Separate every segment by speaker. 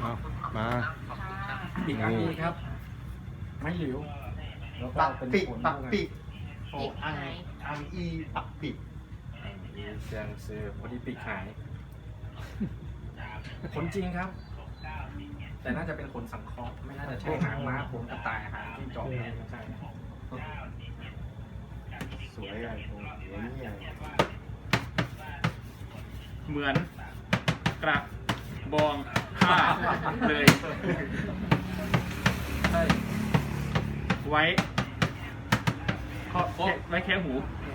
Speaker 1: มา
Speaker 2: อีกอันนี้ครับไม่หลิวแล้วก็
Speaker 3: ปัก
Speaker 2: เป็น
Speaker 3: ปิด
Speaker 2: ผล
Speaker 3: ปักปิด
Speaker 4: โอ้
Speaker 3: อังอีปักปิด
Speaker 4: เสียงเสือพอดีปีกหาย
Speaker 2: ผลจริงครับ แต่น่าจะเป็นขนสังเคราะห์ไม่น่าจะใช่หางม้าขนกระต่ายหางจิ้งจอกไม่ใช่
Speaker 3: สวยอะไรตรงนี้อะไร
Speaker 4: เหมือนกระบองผ้าเลย
Speaker 2: ใช่
Speaker 4: ไว้ไว้แค่หู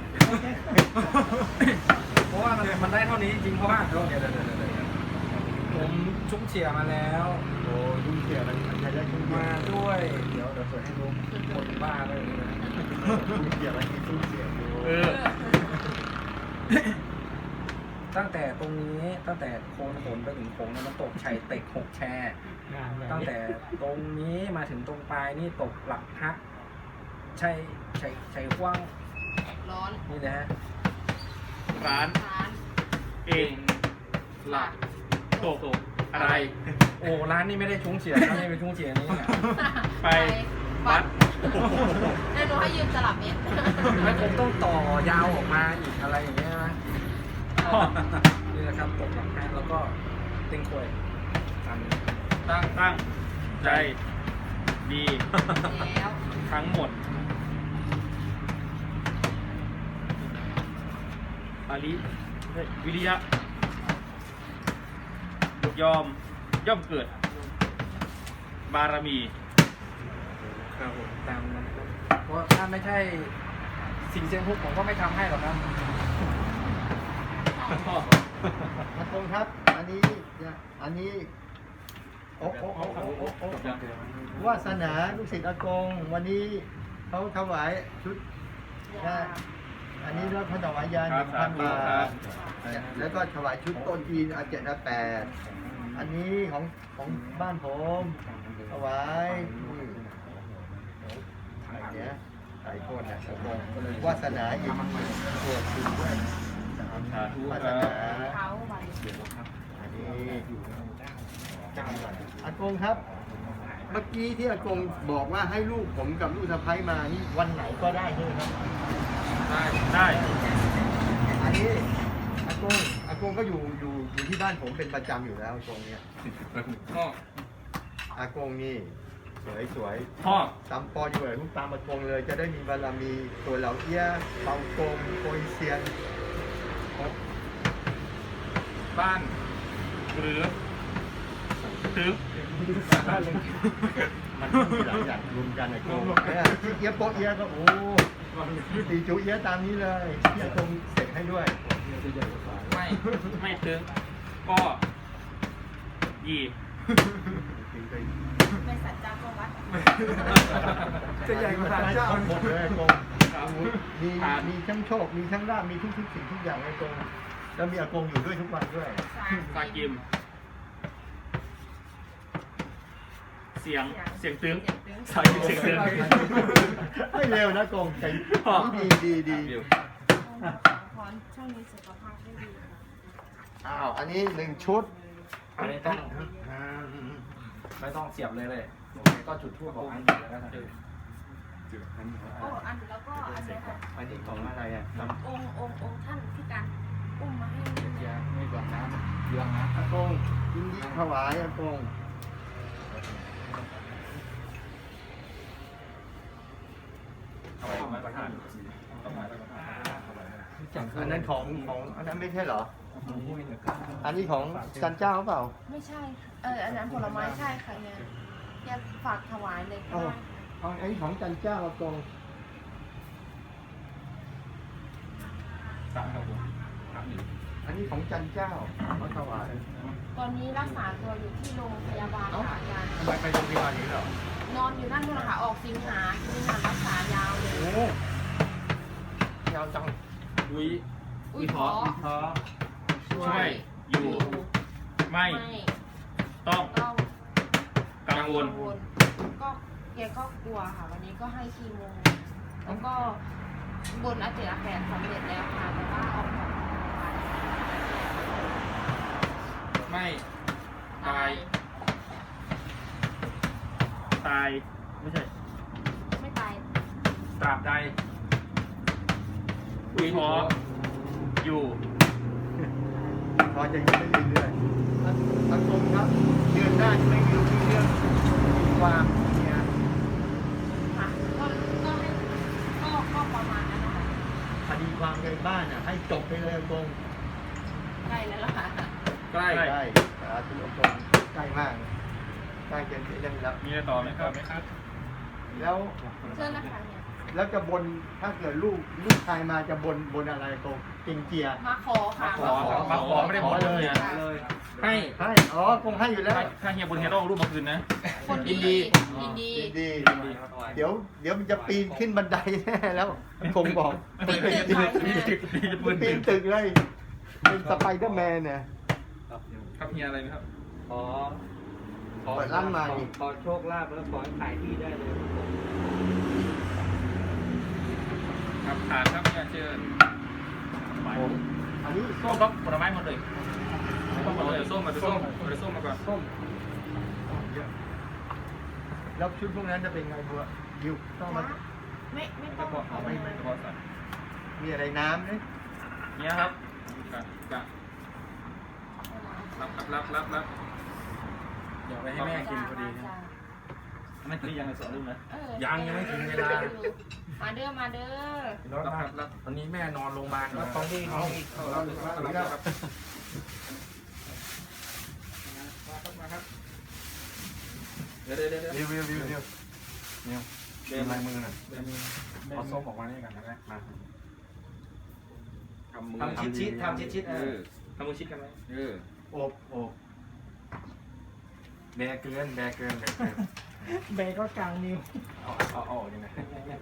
Speaker 2: เพราะว่ามันได้เท่านี้จริงเพราะว่าเดี๋ยวผมชุ่มเฉียมาแล้ว
Speaker 3: โอ้ยุ่งเกี่ยวมันใช้ได้ยุ่ง
Speaker 2: มาด้วยเดี๋ยวเปิดให้ดูคนบ้าเลยนะ
Speaker 3: เกี่ยวอะไรยุ่งเกี่ยวดู
Speaker 2: ตั้งแต่ตรงนี้ตั้งแต่โคนขนไปถึงโค้งมันตกชัยเต็ก6 แช่ตั้งแต่ตรงนี้มาถึงตรงปลายนี่ตกหลักฮักชัยกว้าง
Speaker 5: ร้อน
Speaker 2: นี่นะฮะ
Speaker 4: ร้าน
Speaker 5: ร้าน
Speaker 4: เองหลักตกอะไร
Speaker 2: โอ้ร้านนี้ไม่ได้ชุ่มเฉียนะไม่เป็นชุ่มเฉียนี่นะ
Speaker 4: ไปวัด
Speaker 5: แน่นอนให้ยืมตลับเม็ด
Speaker 2: แล้วผมต้องต่อยาวออกมาอีกอะไรอย่างเงี้ยนะนี่แหละครับตกหลักฮักแล้วก็เต็งควยตามนี้
Speaker 4: ตั้งใจดี
Speaker 5: แล้ว
Speaker 4: ทั้งหมดอาลิวิริยะย่อมเกิด บารมี
Speaker 2: ครับผมตามนั้นครับเพราะถ้าไม่ใช่สิ่งเซียงฮุกผมก็ไม่ทำให้หรอกครับ
Speaker 3: อากงครับ อันนี้โอ้วาสนาลูกศิษย์อากงวันนี้เขาถวายชุดนะอันนี้เราถวายยา 1,000 บาทแล้วก็ถวายชุดต้นจีนอาเจ็ดอาแปดอันนี้ของบ้านผมถวายอันเนี้ยหลายคนนะอากงวาสนาอีกตรวจดูด้วย
Speaker 4: สาธุ
Speaker 3: วา
Speaker 4: ค
Speaker 3: ส
Speaker 4: รับ
Speaker 3: นา
Speaker 5: เขาไป
Speaker 3: อันนี้อากงครับ เมื่อกี้ที่อากงบอกว่าให้ลูกผมกับลูกสะใภ้มานี่วันไหนก็ได้ใช่ไหมครับ
Speaker 4: ได้
Speaker 3: อันนี้อากงก็อยู่ที่บ้านผมเป็นประจำอยู่แล้วอากงเนี่ย
Speaker 4: พ่อ
Speaker 3: อากงนี่สวย
Speaker 4: พ่อ
Speaker 3: ตามปออยู่เลยลูกตามอากงเลย จะได้มีบารมีตัวเหล่าเอี้ยเปากงโกยเซียน
Speaker 4: บ้านหรือถึง
Speaker 3: มันมีหลายอย่างรวมกันอากงเนี่ยที่เอี้ยโปะเอี้ยก็โอ้ตีจูเอี้ยตามนี้เลยที่อากงเสร็จให้ด้วย
Speaker 4: ไม่ถึงก็ยี
Speaker 5: ไม่สัจจะก็วัด
Speaker 2: จะใหญ่กว่าศาลเจ้า
Speaker 3: หมดเลยกงมีทั้งโชค มีทั้งลาภมีทุกสิ่งทุกอย่างในกงแล้วมีอากงอยู่ด้วยทุกวันด้วย
Speaker 4: ซากิม เสียงตึงซากิมเสียงตึง
Speaker 3: ให้เร็วนะกงใจดี
Speaker 5: พรช่วงนี้สุขภาพไม่ดีค่ะ
Speaker 3: อ้าวอันนี้1 ชุด
Speaker 2: อันนี้ต้องไม่ต้องเสียบเลยโอเคก็จุดทั่วบอกอันเดียวแล้วกัน
Speaker 5: โอ้อันแล้วก็อันนี้ค่ะ
Speaker 3: อันนี้ของอะไรอ่ะ
Speaker 5: องค์ท่านที่การอุ้มมาให้
Speaker 2: ไม่กว่าน้ำเยืองนะ
Speaker 3: อากงยินดีถวายอากงอันนั้นของอันนั้นไม่ใช่เหรอ อันนี้ของจันเจ้าเปล่า
Speaker 5: ไม่ใช่อันนั้นผลไม้ใช่ค่ะเนี่ยฝากถวายเลยก็
Speaker 3: เอาอันนี้ของจันเจ้าอากงอันนี้ของจันเจ้าเขาถวาย
Speaker 5: ตอนนี้รักษาตัวอยู่ที่โรงพยาบาลค่ะอาจารย์
Speaker 3: ทำไมไปโรงพยาบาลนี้เหรอน
Speaker 5: อนอยู่นั่นนู่นนะคะออกสิงหารักษายาวเลย
Speaker 3: โอ้ยาวจัง
Speaker 5: อุ้ยท้อ
Speaker 4: ช่วยอยู่ ไม่ ต้อง
Speaker 5: ต้อง
Speaker 4: กังวล
Speaker 5: ก็แกก็กลัวค่ะ วันนี้ก็ให้คีโมแล้วก็บนอาเจอาแปดสำเร็จแล้วค่ะแต่ว่าออกจากโรงพยาบาล
Speaker 4: ไม่
Speaker 5: ตาย
Speaker 4: ตายไม่ใช่
Speaker 5: ไม่ตาย
Speaker 2: ตราบใด
Speaker 4: ขออยู่
Speaker 3: พอจะอยู่ได้เรื่อยๆอากงครับเดือนหน้าจะไม่มีเรื่องความเนี่ย
Speaker 5: ค่ะก็ให้ก็ประมาณนั้นนะคะ
Speaker 3: คดีความในบ้านให้จบไปเลยอากง
Speaker 5: ใกล้แล้วล่ะค่ะ
Speaker 2: ใกล้
Speaker 3: ใกล้สาธุอากงใกล้มากใกล้จะได้รับ
Speaker 4: มีอะไรต่อไหมครับ
Speaker 3: แล้ว
Speaker 5: เชิญนะคะเนี่ย
Speaker 3: แล้วจะบนถ้าเกิดลูกชายมาจะบนอะไรตรงเก่งเจีย
Speaker 5: มาขอค่ะ
Speaker 4: มาขอไม่ได้บอกเลย
Speaker 2: ให้
Speaker 3: ให้อ๋อคงให้อยู่แล้ว
Speaker 4: ถ้าเฮียบุญเฮียต้องเอารูปมาคืนนะ
Speaker 5: คนดียินดี
Speaker 3: ดีเดี๋ยวมันจะปีนขึ้นบันไดแน่แล้วคงบอก
Speaker 5: ปีนตึกค่ะ
Speaker 3: ปีนตึกเลยเป็นสไปเดอร์แมนเนี่ย
Speaker 4: ครับเฮียอะไรไหมครับ
Speaker 1: ขอ
Speaker 3: เปิดร้านมาดิ
Speaker 1: ขอโชคลาภแล้วขอให้ขายที่ได้เลย
Speaker 4: ครับฐานครับเฮียเชิญ
Speaker 3: ผมอันนี้
Speaker 4: ส้มครับผลไม้หมดเลยส้มหมดเลยส้มมาส้มมาก่อน
Speaker 3: ส้มแล้วชุดพวกนั้นจะเป็นไงบัวยิวต้องมา
Speaker 5: ไม่ต้อง
Speaker 4: ไม่เฉพาะสัตว์
Speaker 3: มีอะไรน้ำเนี่ย
Speaker 4: เนี่ยครับรับ
Speaker 2: เดี๋ยวไปให้แม่กินพอดีนะ
Speaker 4: ไม่ได้ยังไงสอนลูกนะ
Speaker 2: ยังไม่ถึงเวลา
Speaker 5: มาเด้อมาเด้อ
Speaker 2: รับวันนี้แม่นอนโรงพยาบาล
Speaker 1: แล้วของที่เขาอีก
Speaker 4: เดี๋ยว
Speaker 2: วิวเป็นลายมือหน่อยเอาส้มออกมานี่กันนะมา
Speaker 4: ทำมือ
Speaker 1: ทำชิดๆทำชิดๆ
Speaker 4: ทำมือชิดกันไหม
Speaker 3: โอบ
Speaker 2: แบกเกิน
Speaker 1: เบย์ก็กลางนิ้ว
Speaker 2: เอายังไง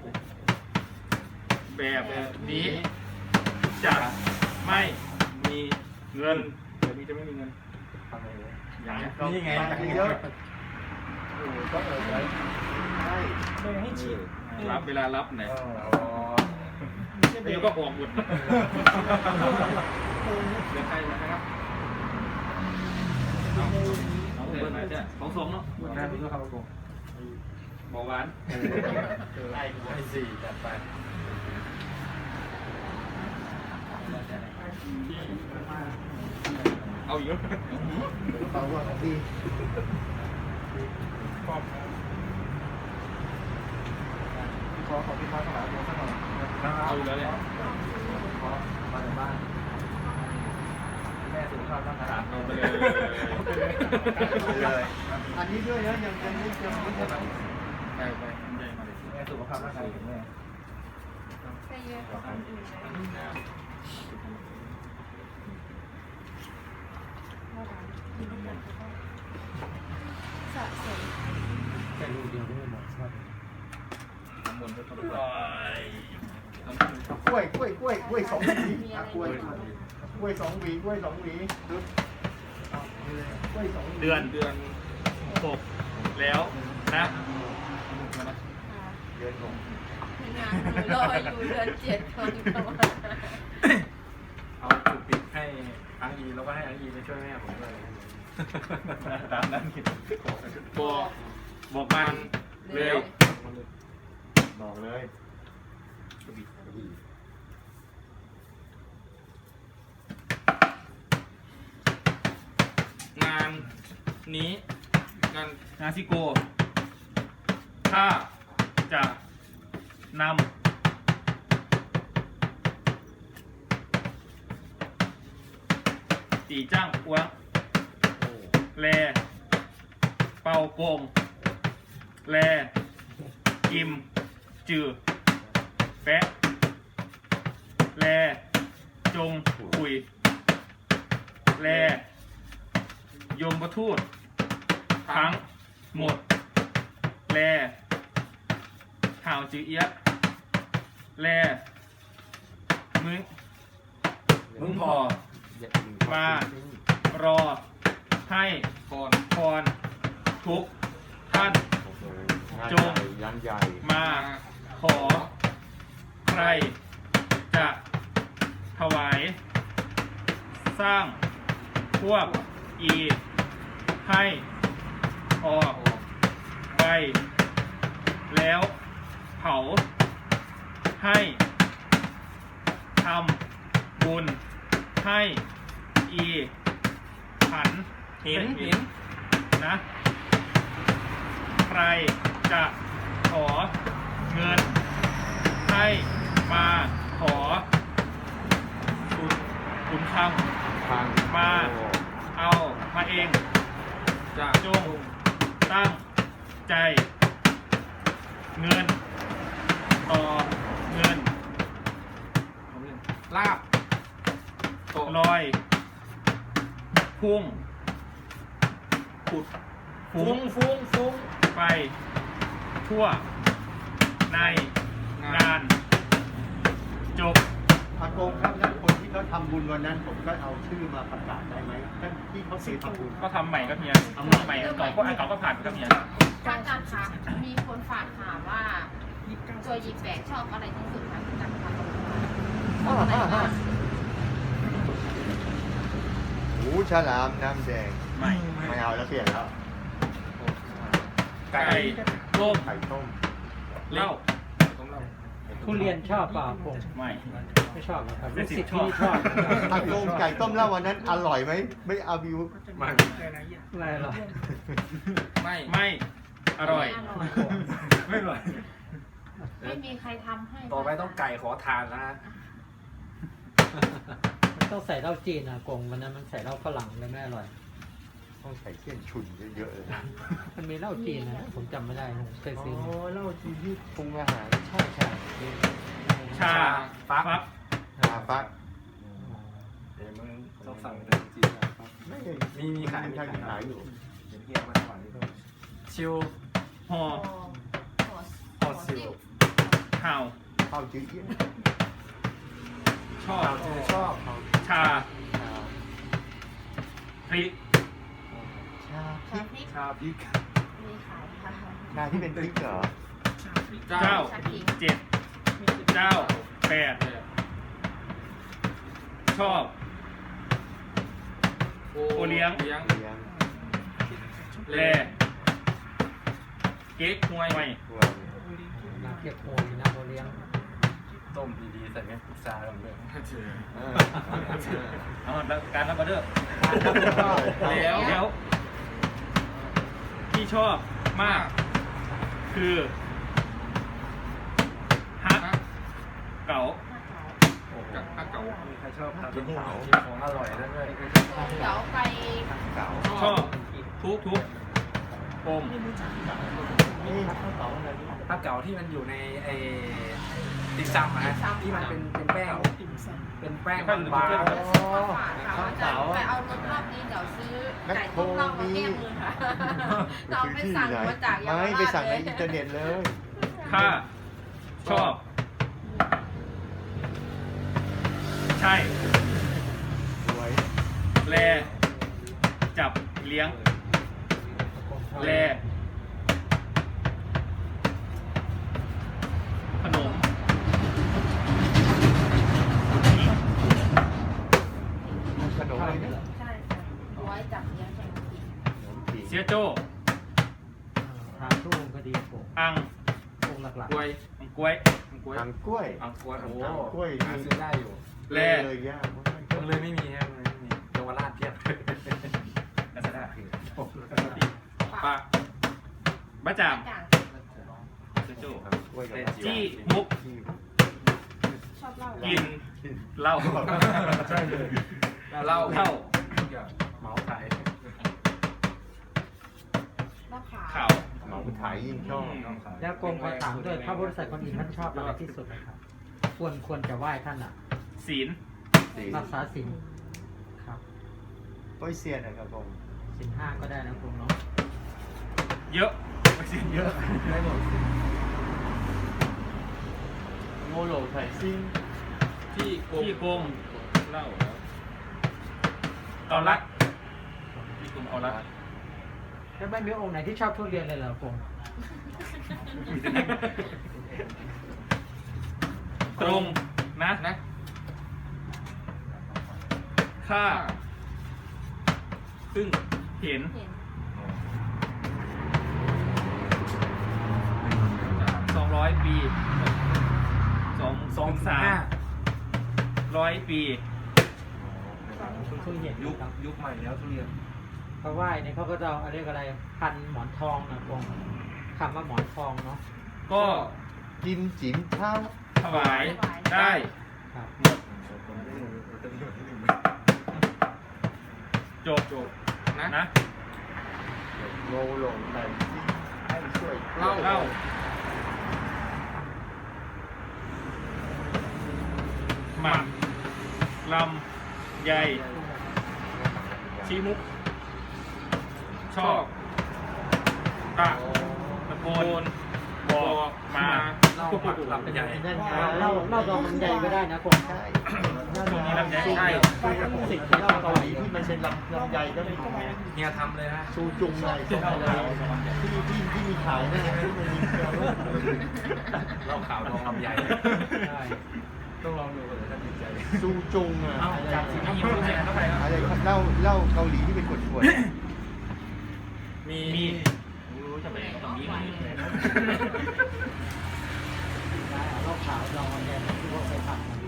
Speaker 4: แบบนี้จะไม่มีเงินแบบนี้จะไม่มีเงิน
Speaker 2: อย่างนี่ไง
Speaker 3: เยอะโอ้ก็ไว้ใช่
Speaker 1: เบย์ให้ชิด
Speaker 4: รับเวลารับไหน
Speaker 1: ไม่ใช่เบ
Speaker 4: เดี๋ยว
Speaker 1: ย์
Speaker 4: ก็ออกหมดเดี๋ยวใครนะครับเอาเสร็จมาจ้ะของสมเนาะ
Speaker 2: แม่รู้ครับผม
Speaker 4: เบาหวาน
Speaker 2: ให้สี่จัดไป
Speaker 4: เอาอีกแล้ว
Speaker 3: เปล่าว่าของพี่ ขอของพี่มาถวายผมสักหน่อย
Speaker 4: เอาอีกแล้วเนี่ย
Speaker 3: ขอมาจากบ้านแม่สุขภาพร่างกาย
Speaker 4: เอาไปเลย
Speaker 3: เลยอันนี้ด้วยนะยังไม่จะไม่จะ
Speaker 4: ไป
Speaker 3: แม่สุขภาพร่างกายแข็งแรง
Speaker 5: ใช่เยอะกว่าคนอื่นเลยสะสม
Speaker 1: แค่ลูกเดียวไม่หมดครับ
Speaker 4: น้ำมนต์ก็ต้องไป
Speaker 3: กล้วยสองหวีกล้วยสองหวีกล้วยสองหวีกล้วยสอง
Speaker 4: เดือนหกแล้วนะ
Speaker 3: เดือนหก
Speaker 5: งานรออยู่เดือน7คนประมาณ
Speaker 2: เอาจุดปิดให้อังอีแล้วก็ให้อังอีไปช่วยแม่ผมด้วย
Speaker 4: ตามนั้นคิดบอกมันเลย
Speaker 3: บอกเลย
Speaker 4: งานนี้งานซิโกถ้าจะนำตีจ้างอ้วงแลเป่าโกงแลกิมจือแปะแลจงคุยแลยมประทูตทั้งหมดแลห่าวจือเอียะแลมึงพอมารอให้พรทุกท่านจงมาขอใครจะถวายสร้างพวกอีให้ออกไปแล้วเผาให้ทำบุญให้อีขันหินนะ ใครจะขอเงินให้มาขอขุนคำมาเอามาเองจงตั้งใจเงินต่อเงิน
Speaker 2: ลาบ
Speaker 4: ลอยพุ่งขุดฟุ้งไปทั่วในงานจบ
Speaker 3: อากงครับแล้วคนที่เขาทำบุญวันนั้นผมก็เอาชื่อมาประกาศได้ไหมท่านที่เขาเคยทำบุญ
Speaker 4: ก็ทำใหม่ก็เมียทำใหม่อันเก่าก็ผ่านไปก็เมีย
Speaker 5: อาจารย์คะมีคนฝากถามว่าตัวหยิบแบกชอบอะไรที่สุดคะอาจารย์คะชอบอะไรบ้าง
Speaker 3: หูฉลามน้ำแดง
Speaker 4: ใหม่
Speaker 3: ไม่เอาแล้วเปลี่ยนแล้ว
Speaker 4: ไก่ต้ม
Speaker 3: ไข่ต้ม
Speaker 4: เหล้า
Speaker 1: ทุเรียนชอบเปล่าผม
Speaker 4: ไม่
Speaker 1: ไม่ชอบนะครับ
Speaker 4: ไม่
Speaker 1: ลูก
Speaker 4: สิ
Speaker 1: ศิษย์
Speaker 4: ชอบ
Speaker 1: ที่ชอบ
Speaker 3: อากงไก่ต้มแล้ววันนั้นอร่อยไหมไม่เอาวิว
Speaker 1: อะไรหรอ
Speaker 4: ไม่อร่อย
Speaker 2: ไม่อร่อย
Speaker 5: ไม่มีใครทำให้
Speaker 2: ต่อไปต้องไก่ขอทานแล้วฮะ
Speaker 1: มันต้องใส่เหล้าจีนนะกงวันนั้นมันใส่เหล้าฝรั่งเลยไม่อร่อย
Speaker 3: ต้องใส่เส้นชุนเยอะๆเลยนะ
Speaker 1: มันมีเหล้าจีนนะผมจำไม่ได้ผมเคยซื้อมา
Speaker 3: เหล้าจีนที่ปรุงอาหารใช่
Speaker 4: ชาฟัก
Speaker 3: ชาฟัก
Speaker 2: เดี๋ยวมึงต้องสั่งเป็นจีนนะครับ
Speaker 3: ไม่
Speaker 2: มีขาย
Speaker 3: ขายอยู่
Speaker 2: เดี๋ยวเฮียมาก่อนนี่ต้องชิว
Speaker 4: ห่อ
Speaker 2: พอซิล
Speaker 4: ข่าว
Speaker 3: ข้าวจืดเยี่ยน
Speaker 4: ชอบ
Speaker 2: ชอบ
Speaker 4: ชาพริก
Speaker 3: ชา
Speaker 5: ชาพริก
Speaker 2: ชาพริก
Speaker 5: มีขายค่ะ
Speaker 3: ชาที่เป็นพริกเหรอ
Speaker 4: เจ้าเจ็ดเจ้าแปดชอบโอเลี้ยง
Speaker 3: เลี้ยง
Speaker 4: แลเก๊กฮวย
Speaker 3: ตัว
Speaker 1: น้ำเกี๊ยวโวยน้ำโอเลี้ยง
Speaker 2: ต้มดีๆใส่แม่พุทราลงด้วย
Speaker 4: เอาแล้วการรับออเดอร์แล้วที่ชอบมาก คือฮักเก๋า
Speaker 2: ถ้าเก่ามีใครชอบทานกินของอร่อยด้วย
Speaker 5: เดี๋ยวไป
Speaker 3: เก๋า
Speaker 4: ชอบทุกปม
Speaker 3: นี่ข้าวเก๋าอะไรนี่
Speaker 2: ถ้าเก่าที่มันอยู่ในไอ้ติ่มซำนะที่มันเป็นแป้งเป็นแป้งบาง
Speaker 5: ฝากค่ะอาจารย์ไปเอารถรอบนี้เดี๋ยวซื้อไก่ต้มเหล้ามาแก้มือค่ะเราไปสั่งมาจากเยาว
Speaker 3: ไม่
Speaker 5: ราช
Speaker 3: ไปสั่งใน
Speaker 5: เลย
Speaker 3: อินเทอร์เน็ตเลย
Speaker 4: ถ้าชอบ ใช่
Speaker 3: สวย
Speaker 4: แลจับเลี้ยงแลขนม
Speaker 3: ขนมอะไรเนี่ย
Speaker 5: ใช่ค่ะไว้จับเลี้ยงแข่งกิน
Speaker 3: ขนมจีน
Speaker 4: เสียโจ้
Speaker 1: ทางทุ่งก็ดีผม
Speaker 4: อัง
Speaker 1: วงหลัก
Speaker 4: กล้วยกล้วย
Speaker 3: ทางกล้วย
Speaker 2: อังกวยโอ้
Speaker 3: กล้วย
Speaker 2: หาซื้อได้อยู่
Speaker 4: แล
Speaker 3: เลยยาก
Speaker 2: ยังเลยไม่มีครับเลยไม่มีเยาวราชเพียบ
Speaker 4: ลาซาด้าปะบะจ่าง
Speaker 5: จ่าง
Speaker 4: เสียโจ้
Speaker 3: กล้วยกับ
Speaker 4: จี้มุก
Speaker 5: ชอบเหล้า
Speaker 4: กินเหล้า
Speaker 3: ใช่เลย
Speaker 2: เหล้า
Speaker 4: เหล้า
Speaker 2: เหมาขาย
Speaker 5: เหล้าขาว
Speaker 4: ขาว
Speaker 3: เหมาขายยิ่งชอบ
Speaker 1: ๆแล้วกงขอถามด้วยพระบริษัทคนอื่นท่านชอบอะไรที่สุดนะครับควรจะไหว้ท่านอ่ะ
Speaker 4: ศีล
Speaker 1: รักษาศีลครับ
Speaker 3: โอ้ยเซียนนะครับผม
Speaker 1: ศีล5ก็ได้นะคุณเนาะ
Speaker 4: เยอะไม่ศีลเยอะ
Speaker 3: ได้หมดโมโหลไถ่ซิ่ง
Speaker 4: ที่โกงเหล้าเอารักที่โกงเอารัก
Speaker 1: แล้วไม่มีองค์ไหนที่ชอบทุเรียนเลยเหรอกง
Speaker 4: ตรงนะค่าซึ่งเห็น
Speaker 5: เห็น
Speaker 4: 100 ปี2 3 100 ปี
Speaker 1: คุณเคยเห็น
Speaker 2: ยุค
Speaker 1: ครับ
Speaker 2: ยุคใหม่แล้วทุเรียน
Speaker 1: เขาไหว้เนี่ยเขาก็จะเอาเรียกอะไรพันหมอนทองนะกงคำว่าหมอนทองเนาะ
Speaker 4: ก็
Speaker 3: จิมจิ๋มเท้า
Speaker 4: ถวายได้
Speaker 1: ครับ
Speaker 4: หมดจบนะ
Speaker 3: โงหลงแต่ให้ช่วย
Speaker 4: เล่าหมันลำใหญ่ชีมุก ชอบตะโกนบอกมา
Speaker 2: เล่าหมักลำใหญ่
Speaker 1: นั่นไงเล่าดองมันใหญ่ก็ได้นะกง
Speaker 3: ใช่
Speaker 4: ช่วงนี้ลำไยใช่
Speaker 1: สิ่ง
Speaker 3: เหล้าเกาหลีที่มันเป็นลำไยก็มี
Speaker 2: เฮียทำเลยฮะ
Speaker 3: ซูจุงอะไรส่งไปเลยที่มีขายนะที่มันมีเกลือ
Speaker 2: เล่าข่าวดองลำใหญ่
Speaker 1: ใช่
Speaker 2: ต้องลองดูเลยถ้าติดใจ
Speaker 3: ซูจุงอะ
Speaker 2: เอ้าจากสิ่งที่ยิ้มรู้เนี่ยเข้าไปครับ
Speaker 3: อะไรเหล้าเกาหลีที่เป็นขวด
Speaker 4: มีรู้จะไปตรงนี้ไหม
Speaker 1: เล่าขาวดองมันเนี่ยที่พวกไปผัดมัน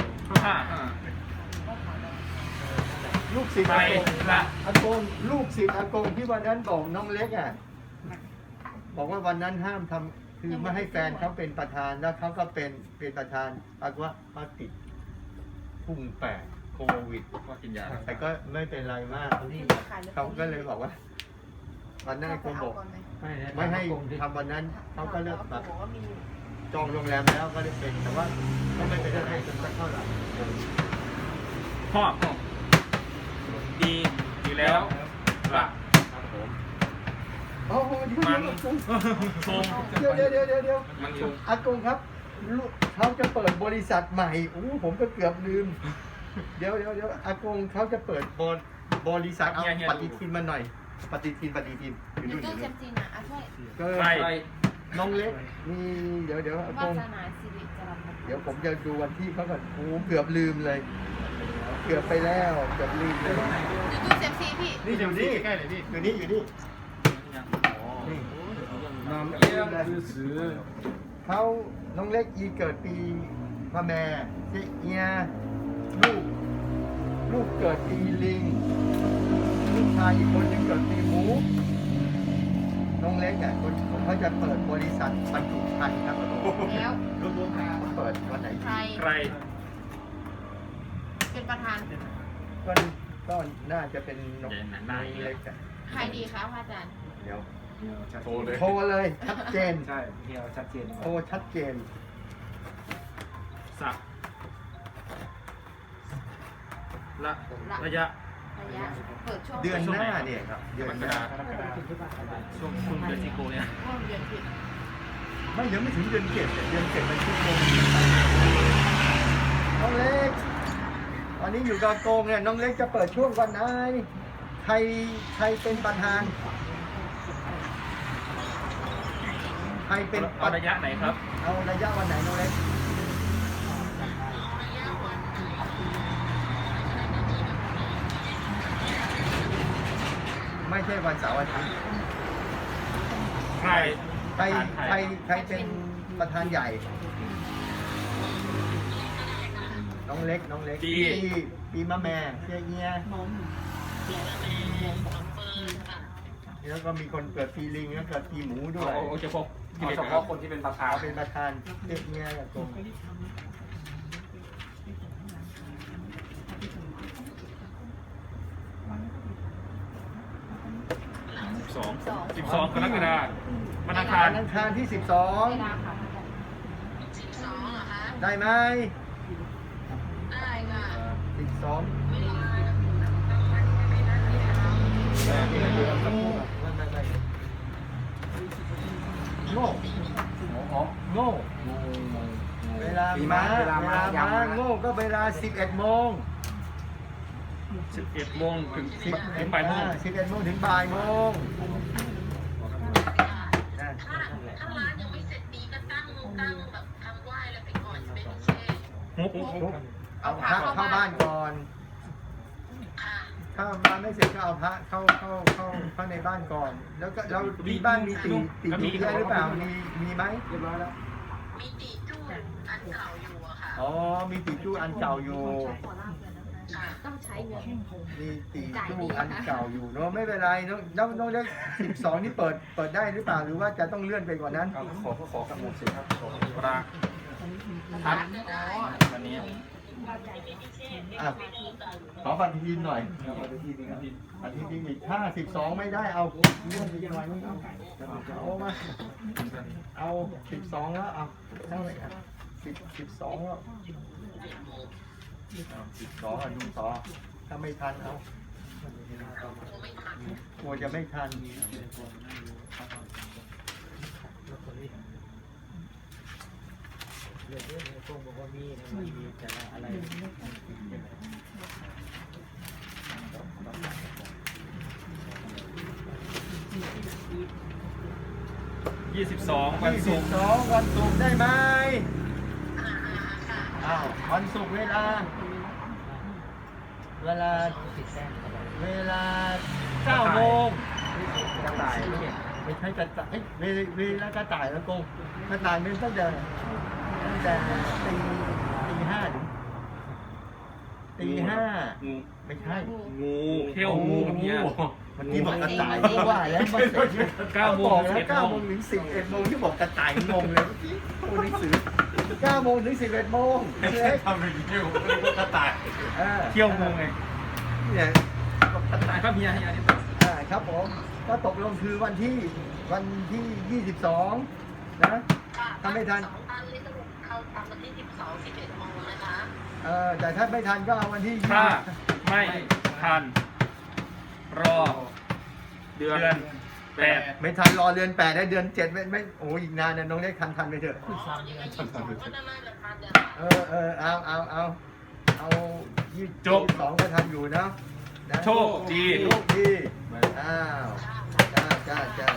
Speaker 3: ลูกศิษย์
Speaker 4: ไปละ
Speaker 3: อากงลูกศิษย์อากงที่วันนั้นบอกน้องเล็กอ่ะบอกว่าวันนั้นห้ามทำคือไม่ให้แฟนเขาเป็นประธานแล้วเขาก็เป็นประธานปรากฏว่าเขาติดพุ่งแปดโควิด
Speaker 4: ก็กินยา
Speaker 3: แต่ก็ไม่เป็นไรมากเขาก็เลยบอกว่า วันนั้นอากงบอกไม่ให้ทำวันนั้นเขาก็เลิกแบบจองโรงแรมแล้วก็ได้เป็นแต่ว่าก็ไม่เป็นอะไรจนสักเท่าไหร่
Speaker 4: พ่อดีอยู่แล้วละ
Speaker 3: โอ้โห
Speaker 4: มัน
Speaker 3: เดี๋ยว
Speaker 4: ชง มันชง
Speaker 3: อากงครับลูกเขาจะเปิดบริษัทใหม่ผมก็เกือบลืม เดี๋ยวอากงเขาจะเปิดบริษัทเอาปฏิทินมาหน่อย ปฏิทินอยู่
Speaker 5: อยู่
Speaker 3: นู่นอ
Speaker 5: ตู้
Speaker 3: ยู่
Speaker 5: เซ
Speaker 3: นู่น
Speaker 5: มซีนะช่วย
Speaker 3: ก็
Speaker 4: ใคร
Speaker 3: น้องเล็กมีเดี๋ยวอาก
Speaker 5: วาง สนาสิริจรัญ
Speaker 3: เดี๋ยวผมจะดูวันที่เขาก่อนเกือบลืมเลย เกือบไปแล้วเกือบลืมเลย
Speaker 5: อยู่ตู้เซมซีพี่
Speaker 3: นี่อยู่นี่ใกล้เลยนี่อยู่นี่นี่
Speaker 2: น้ำเอี้ยมซื้อ
Speaker 3: เขาน้องเล็กเกิดปีมะแม่เจียลูกเกิดปีลิงลูกชายอีกคนหนึงเกิดปีหมูน้องเล็กคนเขาจะเปิดบริษัทบรรจุภัณฑ์ครับ
Speaker 5: แล้ว
Speaker 3: เปิดวันไหน
Speaker 5: ใคร
Speaker 4: ใคร
Speaker 5: เป็นประธาน
Speaker 3: ก็น่าจะเป็นน้อง
Speaker 4: ใหญ่หนาๆ
Speaker 3: เล็ก
Speaker 5: ใครดีคะพระอาจารย์
Speaker 3: เดี๋ยว
Speaker 2: โทรเลย
Speaker 3: โทรเลยชัดเจน
Speaker 2: ใช่เฮียชัดเจน
Speaker 3: โทรชัดเจน
Speaker 4: สักระยะ
Speaker 5: ระยะเปิดช่วง
Speaker 3: เดือนหน้าเนี่ยครับเดือนหน้า
Speaker 4: ช่วงคุณเดือนสิงโกเนี่ย
Speaker 5: ร่วมเดือนผิด
Speaker 3: ไม่ยังไม่ถึงเดือนเจ็ดแต่เดือนเจ็ดมันชั่วโมงน้องเล็กตอนนี้อยู่กับโกงเนี่ยน้องเล็กจะเปิดช่วงวันไหนใครเป็นประธาน ใครเป็น
Speaker 4: เอาระยะไหนครับ
Speaker 3: เอาระยะวันไหนน้องเล็กไม่ใช่วันเสาร์อาทิตย์
Speaker 4: ใคร
Speaker 3: ใครเป็นประธานใหญ่ น้องเล็กปีมะแม่เชียเอียแล้วก็มีคนเกิดปีลิงแล้วเกิดปีหมูด้วย
Speaker 4: โอเคพบ
Speaker 2: เอาเฉพาะคนที่เป็นประธาน
Speaker 3: เขาเป็นประธานเชียเอียกับตรง
Speaker 4: 12 กรกฎาคมวันอังคาร
Speaker 3: วันอังคารที่
Speaker 5: เวลาค่ะพระอาจารย์
Speaker 3: 12 ได้ไหม
Speaker 5: ได้ค่ะ
Speaker 3: 12โง่โง่เวลามาโง่ก็เวลา 11 โมง
Speaker 4: 11 โมงถึงบ่ายโมง
Speaker 3: 11 โมงถึงบ่ายโมง
Speaker 6: ถ้าร้านยังไม่เสร็จดีก็ตั้งแบบทำไหว้แล้วไปก่อนจะไม่มีแช่
Speaker 3: เอาพระเข้าบ้านก่อน
Speaker 6: ค่ะ
Speaker 3: ถ้าบ้านไม่เสร็จก็เอาพระเข้าในบ้านก่อน แล้วก็เราที่บ้านมีตีเยอะหรือเปล่ามีไหม
Speaker 2: เรียบร้อยแล้ว
Speaker 6: มีตีจู้อันเก่าอยู่อะค่ะ
Speaker 3: อ๋อมีติจู้อันเก่าอยู่
Speaker 6: ค่ะ
Speaker 5: ต้องใช้เงิน
Speaker 3: มีติจู้อันเก่าอยู่เนาะไม่เป็นไรน้องเล็ก12นี่เปิดได้หรือเปล่าหรือว่าจะต้องเลื่อนไปกว่านั้น
Speaker 2: เอาขอกับหมดสิครับขอ
Speaker 4: ปลาทัดวันนี้
Speaker 3: อ่ะขอปฏิทินหน่อยปฏิทินอีกถ้า12ไม่ได้เอาเลื่อนไปหน่อยนึงเอามาเอา12แล้วเอาเท่าไหร่อ่ะ12แล้ว12อ่ะดูต่อถ้าไม่ทันเอากลัวจะไม่ทัน
Speaker 1: เรื่องนี้พวกบอกว่ามีนะมันมีแต่ละอะไร
Speaker 4: 22 วันศุกร์
Speaker 3: 22วันศุกร์ได้ไหมอ้าววันศุกร์เวลา
Speaker 1: ติดแต้มอะไร
Speaker 3: เวลา9 โมง
Speaker 2: กระต่าย
Speaker 3: ไม่ใช่กระต่ายเวลากระต่ายแล้วกงกระต่ายเป็นตั้งแต่ตีห้าถึงตีห้า
Speaker 4: งู
Speaker 3: ไม่ใช่
Speaker 4: งูเขี้ยวงูเนี่ย
Speaker 3: เมื่อกี้บอกกระต่ายก็ว่าแล้วมัน
Speaker 4: 9 โมง
Speaker 3: บอกแล้ว
Speaker 4: 11
Speaker 3: 9 โมงถึง 11 โมงที่บอกกระต่ายงงเลยเมื่อกี้ตัวหนังสือ9 โมงถึง 11 โมงเล็ก
Speaker 4: ทำอย่างนี้อยู่กระต่าย
Speaker 3: เ
Speaker 4: เขี้ยวงูไง
Speaker 3: เนี่ย
Speaker 2: กระต่ายครับเฮียนี่
Speaker 3: ครับผมก็ตกลงคือวันที่ 22 นะ ถ้าไม่ทัน
Speaker 6: 2 ตันนี่สรุปเข้าตามวันที่ 12 11 โมงนะคะ
Speaker 3: แต่ถ้าไม่ทันก็เอาวันที่
Speaker 4: ถ้าไม่ทัน รอ เดือน 8
Speaker 3: ไม่ทันรอเดือน8ได้เดือน7ไม่โอ้อีกนานนะน้องได้ทันไปเถอะ
Speaker 6: ยังไง22ก็น่าจะทันเนี่ย
Speaker 3: เอา22ก็ทันอยู่นะนะ
Speaker 4: โชคดี
Speaker 3: โชคดีอ้าวจ้า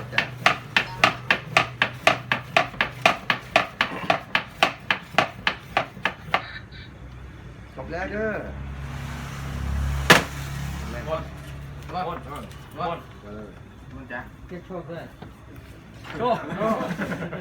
Speaker 3: จบแล้วเด้อ
Speaker 4: หมด
Speaker 2: มันจ้ะ
Speaker 1: เก็บโชคด้วย
Speaker 2: โชค